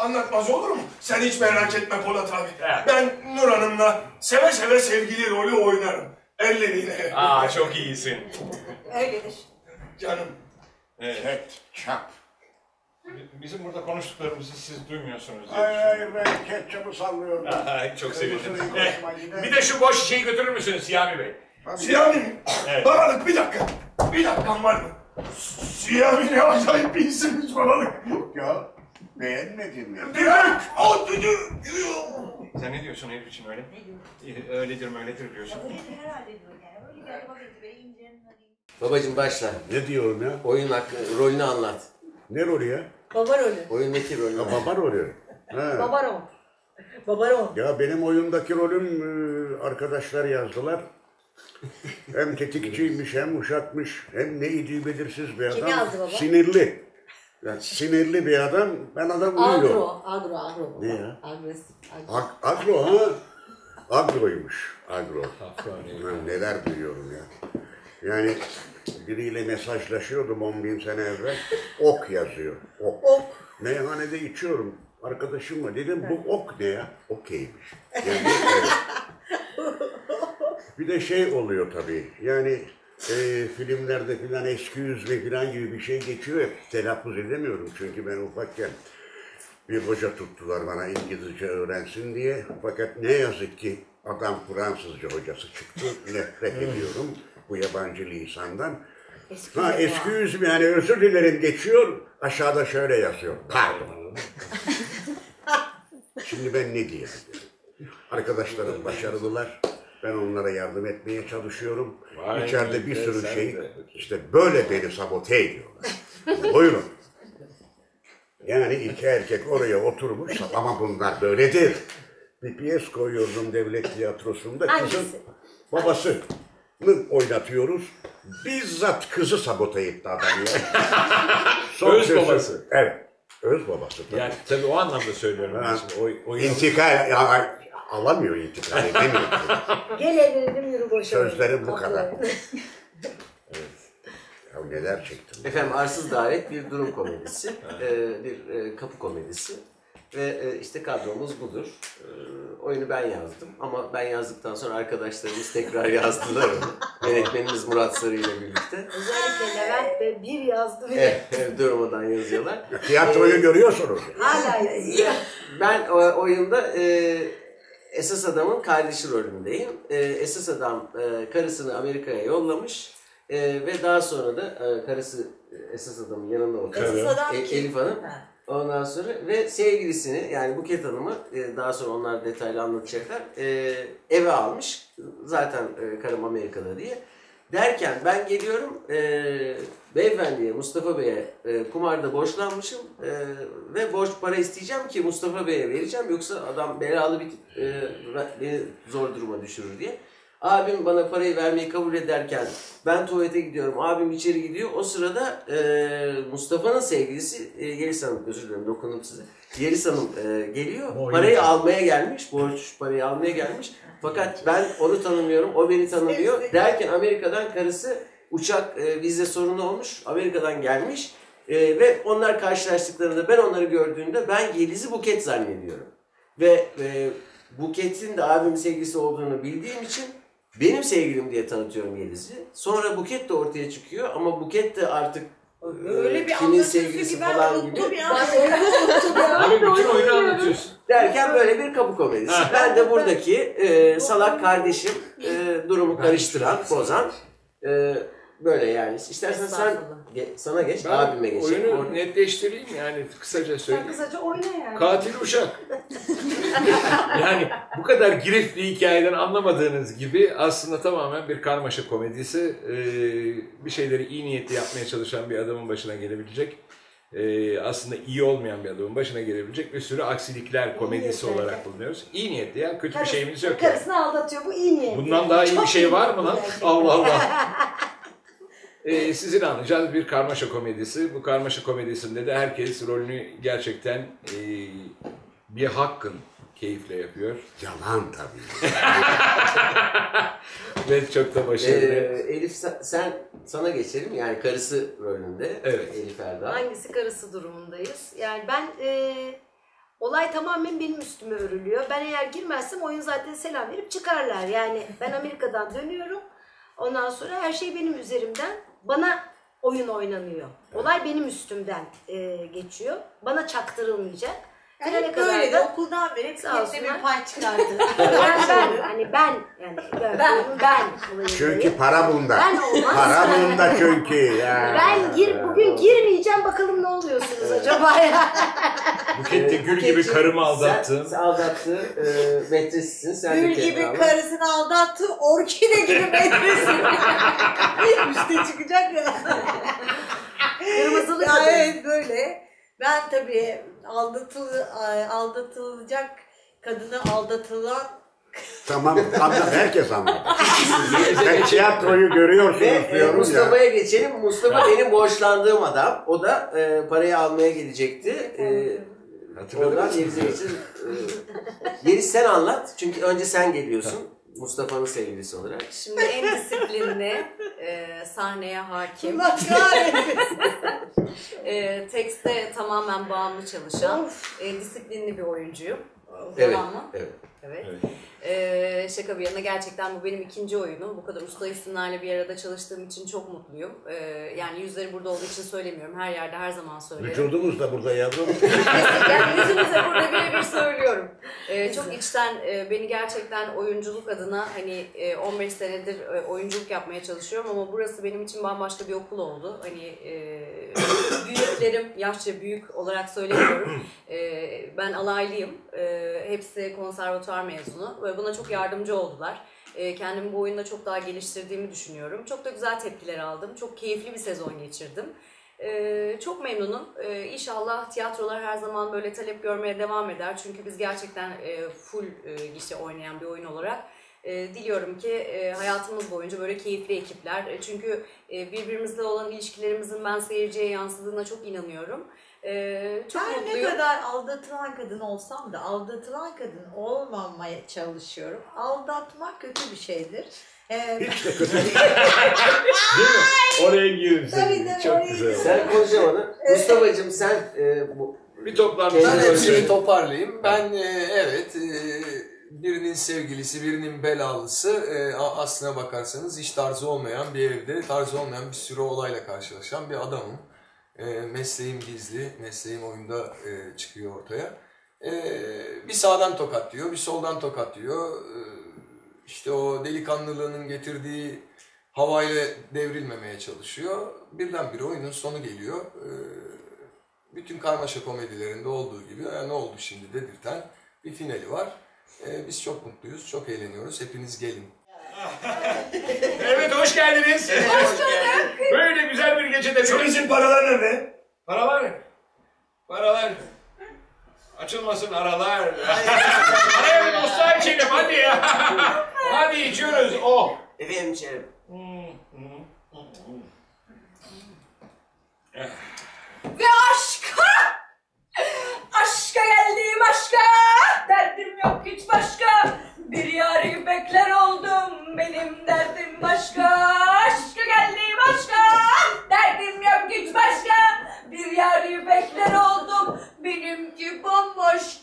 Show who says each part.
Speaker 1: anlatmaz olur mu? Sen hiç merak etme Polat abi. Ben Nur Hanım'la seve seve sevgili rolü oynarım. Elleriyle.
Speaker 2: Aa, çok iyisin.
Speaker 3: Öyledir.
Speaker 1: Canım.
Speaker 4: Ketçap.
Speaker 2: Bizim burada konuştuklarımızı siz duymuyorsunuz diye
Speaker 4: Hayır, ben ketçapı sallıyorum.
Speaker 2: Çok sevindim.
Speaker 4: Kırmızı
Speaker 2: Bir de şu boş şişeyi götürür müsünüz Siyami Bey?
Speaker 1: Siyami mi?
Speaker 2: Evet.
Speaker 1: Babalık bir dakika. Bir dakikan var mı? Siyami ne acayip bir isimmiş babalık.
Speaker 4: Yok ya, beğenmedin mi?
Speaker 1: Direkt o düdü.
Speaker 2: Sen ne diyorsun herif için öyle? Öyledir mi öyledir diyorsun.
Speaker 3: Herhalde diyor yani. Öyle geldi bakayım be incenin hadi.
Speaker 5: Babacım başla.
Speaker 4: Ne diyorum ya?
Speaker 5: Oyun hakkı, rolünü anlat.
Speaker 4: Ne rolü ya?
Speaker 3: Baba rolü.
Speaker 5: Oyundaki rolünü
Speaker 4: Ya
Speaker 5: anlat.
Speaker 4: baba rolü. He.
Speaker 3: Baba rol. Baba rol.
Speaker 4: Ya benim oyundaki rolüm arkadaşlar yazdılar. Hem tetikçiymiş, hem uşakmış, hem neydi belirsiz bir adam.
Speaker 3: Kim yazdı baba?
Speaker 4: Sinirli. Yani sinirli bir adam, ben adam uyuyor.
Speaker 3: Agro.
Speaker 4: Ne ya?
Speaker 3: Agresif.
Speaker 4: Agro ha? Agroymuş. Agro. Ben neler duyuyorum ya. Yani biriyle mesajlaşıyordum 10.000 sene evvel. Ok yazıyor. Ok. Meyhanede içiyorum. Arkadaşımla dedim bu ok ne ya? Okeymiş. Yani, evet. Bir de şey oluyor tabii. Yani filmlerde filan eski yüzme filan gibi bir şey geçiyor. Hep telaffuz edemiyorum çünkü ben ufakken bir hoca tuttular bana İngilizce öğrensin diye. Fakat ne yazık ki adam Fransızca hocası çıktı. Nefret ediyorum bu yabancı lisandan. Eski yüzüm yani özür dilerim geçiyor. Aşağıda şöyle yazıyor. Pardon. Şimdi ben ne diyeyim? Arkadaşlarım başarılılar. Ben onlara yardım etmeye çalışıyorum. İçeride bir sürü şey işte böyle beni sabote ediyorlar. Buyurun. Yani iki erkek oraya oturmuş ama bunlar böyledir. Bir piyes koyuyordum devlet tiyatrosunda. Kızın babasını oynatıyoruz. Bizzat kızı sabote etti adam ya.
Speaker 2: Öz babası.
Speaker 4: Evet. Öz babası tabii.
Speaker 2: Yani tabii o anlamda söylüyorum.
Speaker 4: İntikal alamıyor, intikal edemiyor.
Speaker 3: Gel evlenelim yürü boşa.
Speaker 4: Sözlerim bu kadar. Ya neler çektim.
Speaker 5: Efendim Arsız Davet bir durum komedisi, bir kapı komedisi ve işte kadromuz budur. Oyunu ben yazdım ama ben yazdıktan sonra arkadaşlarımız tekrar yazdılar onu. Yönetmenimiz Murat Sarı ile birlikte.
Speaker 3: Özellikle Levent Bey bir yazdı bile.
Speaker 5: Durmadan yazıyorlar.
Speaker 4: Tiyatroyu görüyorsunuz.
Speaker 3: Hala yazıyor.
Speaker 5: Ben oyunda esas adamın kardeşi rolündeyim. Esas adam karısını Amerika'ya yollamış ve daha sonra da karısı esas adamın yanında oturuyor.
Speaker 3: Esas adam
Speaker 5: Elif Hanım.
Speaker 3: Ha.
Speaker 5: Ondan sonra ve sevgilisini yani Buket Hanım'ı daha sonra onlar detaylı anlatacaklar. Eve almış. Zaten karım Amerika'da diye. Derken ben geliyorum beyefendiye, Mustafa Bey'e kumarda borçlanmışım ve borç para isteyeceğim ki Mustafa Bey'e vereceğim. Yoksa adam belalı bir beni zor duruma düşürür diye. Abim bana parayı vermeyi kabul ederken ben tuvalete gidiyorum, abim içeri gidiyor. O sırada Mustafa'nın sevgilisi Yeliz Hanım, özür dilerim dokundum size. Yeliz Hanım geliyor, parayı almaya gelmiş, borç parayı almaya gelmiş. Fakat ben onu tanımıyorum, o beni tanımıyor. Derken Amerika'dan karısı uçak vize sorunu olmuş, Amerika'dan gelmiş. Ve onlar karşılaştıklarında ben onları gördüğümde ben Yeliz'i Buket zannediyorum. Ve Buket'in de abimin sevgilisi olduğunu bildiğim için benim sevgilim diye tanıtıyorum Yeliz'i. Sonra Buket de ortaya çıkıyor ama Buket de artık
Speaker 3: öyle bir
Speaker 5: kimin sevgilisi falan gibi.
Speaker 2: Abi bütün oyunu anlatıyorsun.
Speaker 5: Derken böyle bir kapı komedisi. Ben de buradaki salak kardeşim durumu karıştıran, bozan böyle yani. İstersen sen sana geç,
Speaker 2: Ben
Speaker 5: abime geçeyim.
Speaker 2: oyunu netleştireyim yani kısaca söyleyeyim.
Speaker 3: Kısaca oyna yani.
Speaker 2: Katil uşak. Yani bu kadar girifli hikayeden anlamadığınız gibi aslında tamamen bir karmaşa komedisi. Bir şeyleri iyi niyetli yapmaya çalışan bir adamın başına gelebilecek, aslında iyi olmayan bir adamın başına gelebilecek bir sürü aksilikler komedisi olarak bulunuyoruz. İyi niyetli ya, kötü bir şeyimiz yok.
Speaker 3: Karısını aldatıyor, bu iyi niyetli.
Speaker 2: Bundan daha iyi
Speaker 3: Çok
Speaker 2: bir şey var mı lan?
Speaker 3: gerçekten.
Speaker 2: Allah Allah. Sizin anlayacağınız bir karmaşa komedisi. Bu karmaşa komedisinde de herkes rolünü gerçekten bir hakkın keyifle yapıyor.
Speaker 4: Yalan tabii.
Speaker 2: Ve çok da başarılı.
Speaker 5: Elif sana geçelim yani karısı rolünde.
Speaker 2: Evet.
Speaker 5: Elif Erdal.
Speaker 3: Hangisi karısı durumundayız? Yani ben olay tamamen benim üstüme örülüyor. Ben eğer girmezsem oyun zaten selam verip çıkarlar. Yani ben Amerika'dan dönüyorum. Ondan sonra her şey benim üzerimden. Bana oyun oynanıyor. Olay benim üstümden geçiyor. Bana çaktırılmayacak.
Speaker 6: Yani böyle de okuldan beri kendine bir pay çıkardı.
Speaker 3: Ben.
Speaker 4: Çünkü para bunda.
Speaker 3: Ben olmaz.
Speaker 4: Para bunda çünkü. Ya.
Speaker 3: Bugün girmeyeceğim, bakalım ne oluyorsunuz acaba ya.
Speaker 2: Buket de gül gibi karımı aldattın.
Speaker 5: Sen aldattı, metresisin. Sen
Speaker 6: Gül
Speaker 5: de
Speaker 6: gibi
Speaker 5: Kenan.
Speaker 6: karısını aldattı, orkide gibi metresi. Üste çıkacak ya.
Speaker 3: Kırmızılı
Speaker 6: Ya
Speaker 3: kadın.
Speaker 6: evet böyle. Ben tabii aldatılacak kadını aldatılan
Speaker 4: Tamam, herkes anladı. Ben tiyatroyu görüyorsunuz
Speaker 5: Ve
Speaker 4: diyorum ya.
Speaker 5: Mustafa'ya geçelim. Mustafa benim borçlandığım adam. O da parayı almaya gelecekti. Oradan Yeliz'e geçelim. Yeliz sen anlat. Çünkü önce sen geliyorsun. Mustafa'nın sevgilisi olarak.
Speaker 7: Şimdi en disiplinli, sahneye hakim,
Speaker 6: Allah kahretsin.
Speaker 7: tekste tamamen bağımlı çalışan, disiplinli bir oyuncuyum.
Speaker 5: Evet.
Speaker 7: Tamam mı?
Speaker 5: Evet.
Speaker 7: Evet. Şaka bir yana gerçekten bu benim ikinci oyunum. Bu kadar usta isimlerle bir arada çalıştığım için çok mutluyum. Yani yüzleri burada olduğu için söylemiyorum. Her yerde her zaman söylerim.
Speaker 4: Vücudumuz da burada yavrum.
Speaker 7: Yani yüzünüze burada birebir söylüyorum. Çok içten beni gerçekten oyunculuk adına hani 15 senedir oyunculuk yapmaya çalışıyorum ama burası benim için bambaşka bir okul oldu. Hani büyüklerim, yaşça büyük olarak söylemiyorum. Ben alaylıyım. Hepsi konservatuvar mezunu ve buna çok yardımcı oldular. Kendimi bu oyunda çok daha geliştirdiğimi düşünüyorum. Çok da güzel tepkiler aldım. Çok keyifli bir sezon geçirdim. Çok memnunum. İnşallah tiyatrolar her zaman böyle talep görmeye devam eder. Çünkü biz gerçekten full gişe oynayan bir oyun olarak diliyorum ki hayatımız boyunca böyle keyifli ekipler. Çünkü birbirimizle olan ilişkilerimizin ben seyirciye yansıdığına çok inanıyorum. Çok
Speaker 6: Ben
Speaker 7: mutluyum.
Speaker 6: ne kadar aldatılan kadın olsam da aldatılan kadın olmamaya çalışıyorum. Aldatmak kötü bir şeydir.
Speaker 4: Hiç de kötü değil.
Speaker 2: Değil mi? Oraya girin
Speaker 6: Tabii
Speaker 2: sen.
Speaker 6: de
Speaker 2: Çok
Speaker 6: oraya
Speaker 2: güzel.
Speaker 5: Sen konuşamadın. Mustafa'cığım sen
Speaker 2: Bir toplantı.
Speaker 5: Ben
Speaker 8: Ben hepsini
Speaker 2: söyle.
Speaker 8: toparlayayım. Ben evet birinin sevgilisi, birinin belalısı aslına bakarsanız hiç tarzı olmayan bir evde, tarzı olmayan bir sürü olayla karşılaşan bir adamım. Mesleğim gizli, mesleğim oyunda çıkıyor ortaya. Bir sağdan tokatlıyor, bir soldan tokatlıyor. İşte o delikanlılığının getirdiği havayla devrilmemeye çalışıyor. Birdenbire oyunun sonu geliyor. Bütün karmaşa komedilerinde olduğu gibi ne oldu şimdi dedirten bir finali var. Biz çok mutluyuz, çok eğleniyoruz. Hepiniz gelin.
Speaker 2: Evet, hoş geldiniz. Böyle güzel bir gecede.
Speaker 1: Şu bizim paralar nerede?
Speaker 2: Paralar. Paralar. Açılmasın aralar. Araya bir dostlar içelim hadi ya. Hadi içiyoruz. Oh.
Speaker 5: efendim şerif.
Speaker 7: Ve aşka! Aşka geldim aşka! Derdim yok hiç başka. Bir yâri bekler oldum. Benim derdim başka. Aşka geldim aşka! Derdim yok hiç başka. Bir yâri bekler oldum. Benimki bambaşka.